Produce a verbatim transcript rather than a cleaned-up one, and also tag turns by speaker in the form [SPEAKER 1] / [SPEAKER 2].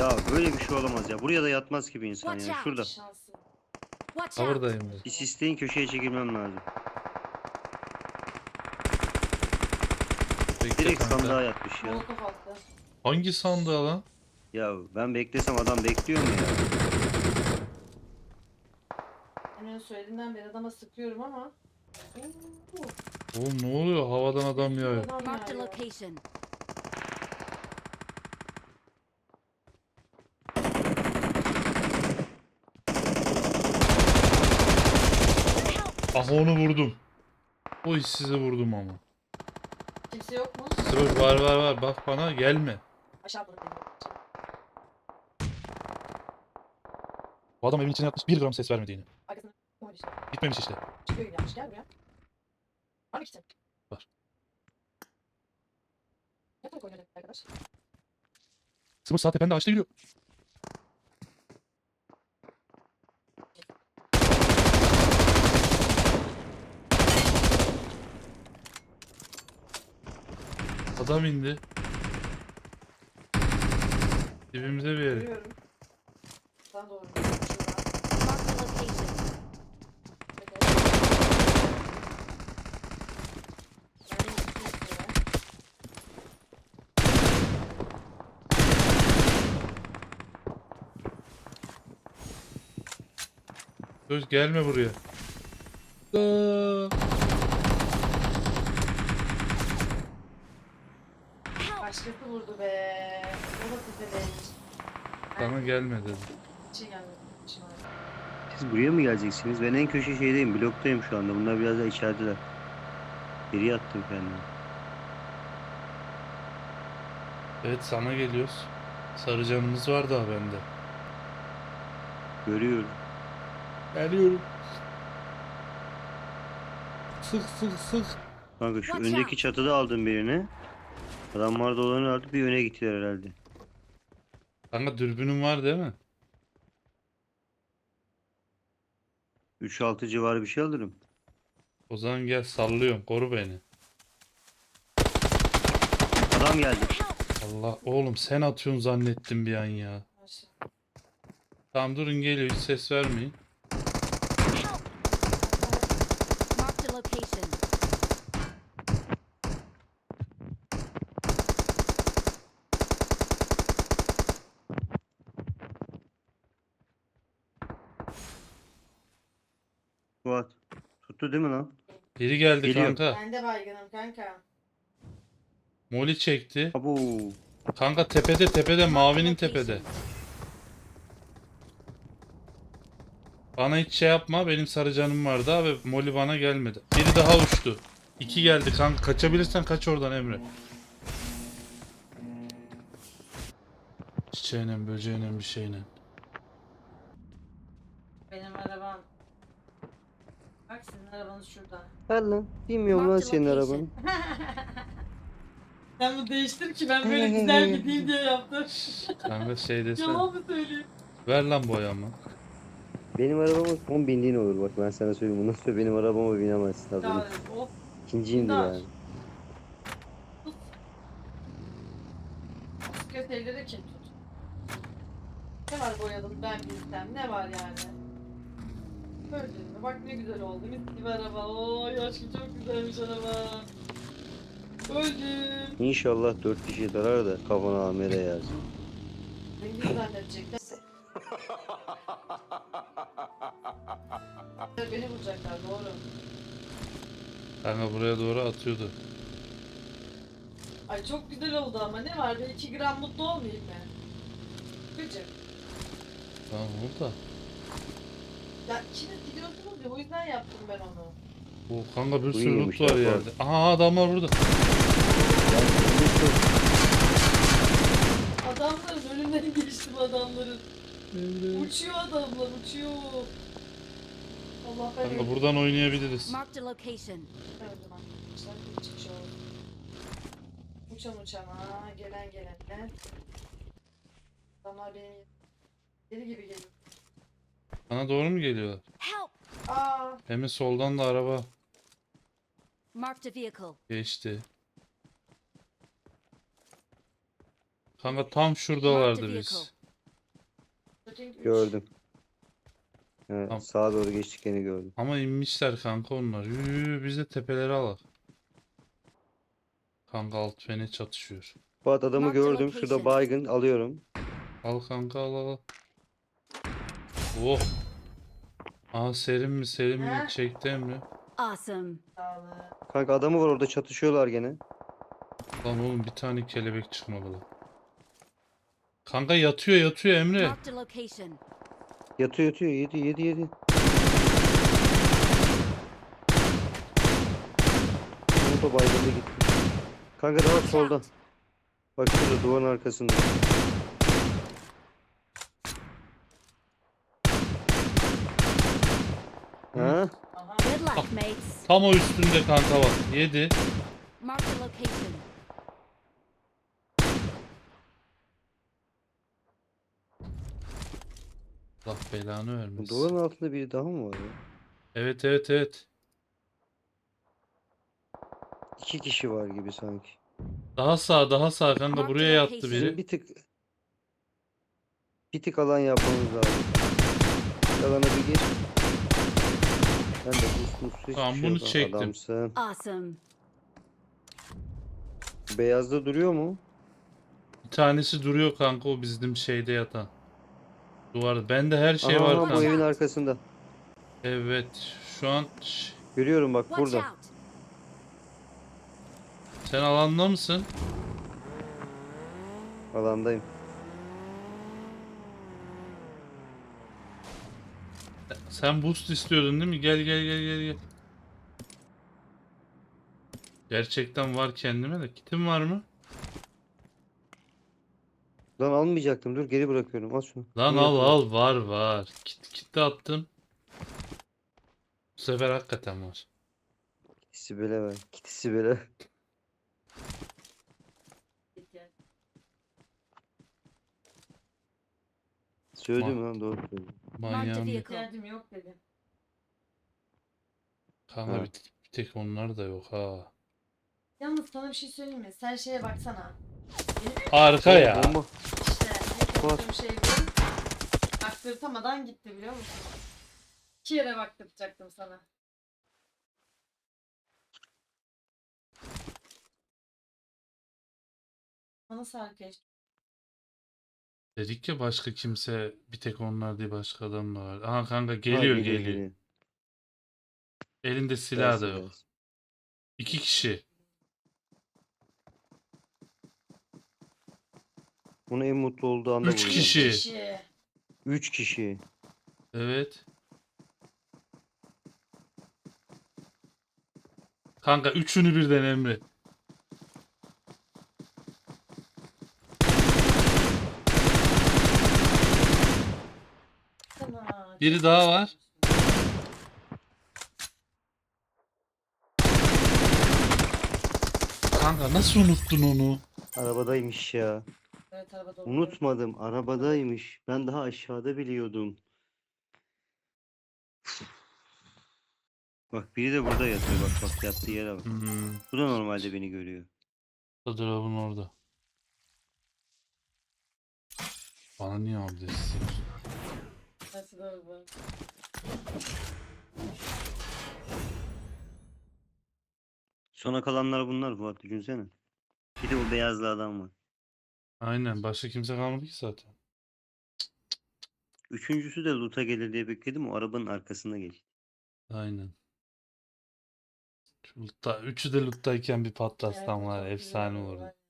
[SPEAKER 1] Ya böyle bir şey olamaz ya. Buraya da yatmaz gibi insan
[SPEAKER 2] Watch
[SPEAKER 1] ya.
[SPEAKER 2] out.
[SPEAKER 1] Şurada.
[SPEAKER 3] Şansın.
[SPEAKER 2] Watch
[SPEAKER 4] Ha
[SPEAKER 2] out!
[SPEAKER 4] buradayım ben.
[SPEAKER 1] Bir sisteyin, köşeye çekilmem lazım.
[SPEAKER 4] Bekle
[SPEAKER 1] Direkt
[SPEAKER 4] kanka.
[SPEAKER 1] sandığa yatmış ya.
[SPEAKER 3] Molotof attı.
[SPEAKER 4] Hangi sandığa lan?
[SPEAKER 1] Ya ben beklesem adam bekliyor mu ya?
[SPEAKER 3] Hemen söylediğinden beri adama sıkıyorum ama. Oo,
[SPEAKER 4] Oğlum ne oluyor? Havadan adam
[SPEAKER 3] bir
[SPEAKER 4] yağıyor.
[SPEAKER 3] adam
[SPEAKER 2] Marked a
[SPEAKER 3] yağıyor.
[SPEAKER 2] location.
[SPEAKER 4] Ah onu vurdum. O işsizi vurdum ama.
[SPEAKER 3] Kimse yok mu?
[SPEAKER 4] Sıvır var var var. Bak bana gelme.
[SPEAKER 3] Aşağı atladı.
[SPEAKER 4] Bu adam evin içine yatmış bir gram ses vermedi yine.
[SPEAKER 3] Arkasına koydu işte.
[SPEAKER 4] Gitmemiş işte.
[SPEAKER 3] Çıkıyor yine yapmış. Gel buraya. Var mı kitin?
[SPEAKER 4] Var.
[SPEAKER 3] Ne kadar oynadı arkadaş?
[SPEAKER 4] Sıvır sağ tepende ağaçta yürüyor. Adam indi. Dibimize bir yere.
[SPEAKER 3] Görüyorum. Sana doğru.
[SPEAKER 2] Marked a location.
[SPEAKER 4] Söz gelme buraya. Aa!
[SPEAKER 3] Başkası vurdu be. O da size
[SPEAKER 4] Bana gelme dedi.
[SPEAKER 3] şey gelmedi. Şimdi.
[SPEAKER 1] Siz buraya mı geleceksiniz? Ben en köşe şeydeyim. Bloktayım şu anda. Bunlar biraz da içerideler. Geri attım kendimi.
[SPEAKER 4] Evet sana geliyoruz. Sarı canımız var daha bende.
[SPEAKER 1] Görüyorum.
[SPEAKER 4] Geliyorum. Sık sık sık.
[SPEAKER 1] Kanka şu
[SPEAKER 2] Watch
[SPEAKER 1] öndeki
[SPEAKER 2] out.
[SPEAKER 1] çatıda aldım birini. Adamlar da olanı aldı. Bir öne gittiler herhalde.
[SPEAKER 4] Kanka dürbünün var değil mi?
[SPEAKER 1] üç altı civarı bir şey alırım.
[SPEAKER 4] O zaman gel sallıyorum. Koru beni.
[SPEAKER 1] Adam geldi.
[SPEAKER 4] Allah oğlum sen atıyorsun zannettim bir an ya.
[SPEAKER 3] Aşağı.
[SPEAKER 4] Tamam durun geliyor hiç ses vermeyin.
[SPEAKER 2] Marked a location.
[SPEAKER 1] Fuat. Tuttu değil mi lan?
[SPEAKER 4] Biri geldi
[SPEAKER 1] Geliyor.
[SPEAKER 4] kanka.
[SPEAKER 3] Ben de baygınım kanka.
[SPEAKER 4] Moli çekti.
[SPEAKER 1] Abo.
[SPEAKER 4] Kanka tepede tepede mavinin tepede. Bana hiç şey yapma benim sarı canım vardı abi. Moli bana gelmedi. Biri daha uçtu. İki geldi kanka kaçabilirsen kaç oradan Emre. Çiçeğine böceğine bir şeyle.
[SPEAKER 3] Benim arabam. Bak sizin arabanız şurada.
[SPEAKER 1] Ver lan. Bilmiyorum lan
[SPEAKER 2] Marked
[SPEAKER 1] senin
[SPEAKER 2] location.
[SPEAKER 1] arabanı.
[SPEAKER 3] Sen bunu değiştir ki ben böyle güzel gideyim diye yaptım.
[SPEAKER 4] Kanka şey desene.
[SPEAKER 3] Yalan mı söyleyeyim?
[SPEAKER 4] Ver lan boyamı.
[SPEAKER 1] Benim arabama son bindiğin olur. Bak ben sana söyleyeyim. Bundan sonra benim arabama binemezsin. Tabii.
[SPEAKER 3] Ya of.
[SPEAKER 1] İkinciyimdir
[SPEAKER 3] Bunlar.
[SPEAKER 1] yani.
[SPEAKER 3] Kötü elleri kim tut? Ne var boyadım ben bilsem ne var yani? Gördün mü? Bak ne güzel oldu. Mis gibi araba. Oy aşkım çok güzelmiş araba. Öldüm.
[SPEAKER 1] İnşallah dört kişi darar da kafana amele yaz.
[SPEAKER 3] Zengin zannedecekler. Beni vuracaklar doğru.
[SPEAKER 4] Kanka buraya doğru atıyordu.
[SPEAKER 3] Ay çok güzel oldu ama ne var be iki gram mutlu olmayayım mı? Gıcık.
[SPEAKER 4] Tamam oldu da.
[SPEAKER 3] Ya ikiniz gidiyorsunuz ya o yüzden yaptım ben onu.
[SPEAKER 4] O kanka bir
[SPEAKER 1] Bu
[SPEAKER 4] sürü
[SPEAKER 1] iyiymiş
[SPEAKER 4] loot var
[SPEAKER 1] ya,
[SPEAKER 4] yerde. Aha adamlar burada.
[SPEAKER 3] Adamların önünden geçtim adamların. Uçuyor adamlar uçuyor. Allah ben
[SPEAKER 4] Kanka
[SPEAKER 3] öldüm.
[SPEAKER 4] buradan oynayabiliriz.
[SPEAKER 2] Marked a location.
[SPEAKER 3] Öldüm arkadaşlar. Bir çıkış oldu. Uçan uçana, gelen gelene. Adamlar benim deli gibi geliyor.
[SPEAKER 4] Bana doğru mu geliyorlar?
[SPEAKER 2] Help!
[SPEAKER 3] Aa,
[SPEAKER 4] Hem soldan da araba
[SPEAKER 2] Marked a vehicle.
[SPEAKER 4] geçti. Kanka tam
[SPEAKER 2] Marked a
[SPEAKER 4] şuradalardı
[SPEAKER 2] vehicle.
[SPEAKER 4] biz.
[SPEAKER 3] Ping üç.
[SPEAKER 1] Gördüm. Evet,
[SPEAKER 4] Tamam.
[SPEAKER 1] sağa doğru geçtiklerini gördüm.
[SPEAKER 4] Ama inmişler kanka onlar. Yürü, biz de tepeleri alak. Kanka alt fene çatışıyor.
[SPEAKER 1] Fuat adamı
[SPEAKER 2] Mark the
[SPEAKER 1] gördüm. Şurada
[SPEAKER 2] location.
[SPEAKER 1] baygın alıyorum.
[SPEAKER 4] Al kanka al al. al. Oh. Aa serin mi serin mi
[SPEAKER 3] Heh.
[SPEAKER 4] çekti Emre.
[SPEAKER 2] Awesome.
[SPEAKER 3] Sağlık.
[SPEAKER 1] Kanka adamı var orada çatışıyorlar gene.
[SPEAKER 4] Lan oğlum bir tane kelebek çıkmadı lan. Kanka yatıyor yatıyor Emre.
[SPEAKER 2] Marked a location.
[SPEAKER 1] Yatıyor yatıyor. Yedi yedi yedi. Moto baygındı gitti. Kanka daha
[SPEAKER 2] Watch
[SPEAKER 1] solda.
[SPEAKER 2] out.
[SPEAKER 1] Bak şurada duvarın arkasında. Ha?
[SPEAKER 3] Aha.
[SPEAKER 2] Good luck, mates.
[SPEAKER 4] Tam o üstünde kanka bak. Yedi.
[SPEAKER 2] Marked a location.
[SPEAKER 4] Allah belanı vermesin.
[SPEAKER 1] Duvarın altında biri daha mı var ya?
[SPEAKER 4] Evet evet evet.
[SPEAKER 1] İki kişi var gibi sanki.
[SPEAKER 4] Daha sağ daha sağ kanka
[SPEAKER 2] Mark the
[SPEAKER 4] buraya yattı
[SPEAKER 2] location.
[SPEAKER 1] Bizim
[SPEAKER 4] biri.
[SPEAKER 1] bir tık bir tık alan yapmamız lazım. Alana bir gir. Ben de boost boost hiçbir
[SPEAKER 4] Tamam,
[SPEAKER 1] şey
[SPEAKER 4] bunu
[SPEAKER 1] yok.
[SPEAKER 4] çektim.
[SPEAKER 1] Adamsın.
[SPEAKER 2] Awesome.
[SPEAKER 1] Beyazda duruyor mu?
[SPEAKER 4] Bir tanesi duruyor kanka o bizim şeyde yatan. Duvar. Bende her şey
[SPEAKER 1] Aha,
[SPEAKER 4] var
[SPEAKER 1] bu
[SPEAKER 4] kanka.
[SPEAKER 1] evin arkasında.
[SPEAKER 4] Evet. Şu an Şş,
[SPEAKER 1] Görüyorum bak
[SPEAKER 2] Watch
[SPEAKER 1] burada.
[SPEAKER 2] out.
[SPEAKER 4] sen alanda mısın?
[SPEAKER 1] Alandayım.
[SPEAKER 4] Sen boost istiyordun değil mi? Gel gel gel gel gel. Gerçekten var kendime de. Kitim var mı?
[SPEAKER 1] Lan almayacaktım. Dur geri bırakıyorum. Al şunu.
[SPEAKER 4] Lan
[SPEAKER 1] Bunu
[SPEAKER 4] al
[SPEAKER 1] yapıyorum.
[SPEAKER 4] al var var. Kit, kit de attım. Bu sefer hakikaten var.
[SPEAKER 1] Sibel'e ver. Git Sibel'e. Söyledim lan doğru söyledim.
[SPEAKER 2] Marked a
[SPEAKER 4] Manyağım ya.
[SPEAKER 2] vehicle.
[SPEAKER 3] İhtiyacım yok dedim.
[SPEAKER 4] Kanka
[SPEAKER 1] Ha.
[SPEAKER 4] bir, bir tek onlar da yok ha.
[SPEAKER 3] Yalnız sana bir şey söyleyeyim mi? Sen şeye baksana. Benim
[SPEAKER 4] Arka ya.
[SPEAKER 1] Bomba.
[SPEAKER 3] işte ne konuştuğum şey bu. Baktırtamadan gitti biliyor musun? İki yere baktırtacaktım sana. Bana sarkeş.
[SPEAKER 4] Dedik ya başka kimse bir tek onlar değil başka adam da var. Aha kanka
[SPEAKER 1] Ha,
[SPEAKER 4] geliyor geliyor. Elinde silah da
[SPEAKER 1] Gelsin,
[SPEAKER 4] yok.
[SPEAKER 1] gelsin.
[SPEAKER 4] İki kişi.
[SPEAKER 1] Bunu en mutlu olduğu anda
[SPEAKER 4] Üç
[SPEAKER 1] vuracağım.
[SPEAKER 4] kişi.
[SPEAKER 3] Kişi.
[SPEAKER 1] Üç kişi.
[SPEAKER 4] Evet. Kanka üçünü birden Emre.
[SPEAKER 3] Sana.
[SPEAKER 4] Biri daha var. Kanka nasıl unuttun onu?
[SPEAKER 1] Arabadaymış ya.
[SPEAKER 3] Evet arabada
[SPEAKER 1] Unutmadım. Arabadaymış. Ben daha aşağıda biliyordum. Bak biri de burada yatıyor. Bak bak yattığı yere bak.
[SPEAKER 4] Hmm.
[SPEAKER 1] Bu da normalde beni görüyor.
[SPEAKER 4] Drop'un orada. Bana niye adres istiyorsun?
[SPEAKER 3] Nasıl doğru bu?
[SPEAKER 1] Sona kalanlar bunlar Fuat düşünsene. Bir de o beyazlı adam var.
[SPEAKER 4] Aynen başka kimse kalmadı ki zaten.
[SPEAKER 1] Üçüncüsü de loot'a gelir diye bekledim. O arabanın arkasına geçti.
[SPEAKER 4] Aynen. Şu Lutta, üçü de Lutta'yken bir patlastan
[SPEAKER 3] Evet,
[SPEAKER 4] var.
[SPEAKER 3] çok güzel
[SPEAKER 4] Efsane
[SPEAKER 3] oldu
[SPEAKER 4] olurdu.
[SPEAKER 3] var.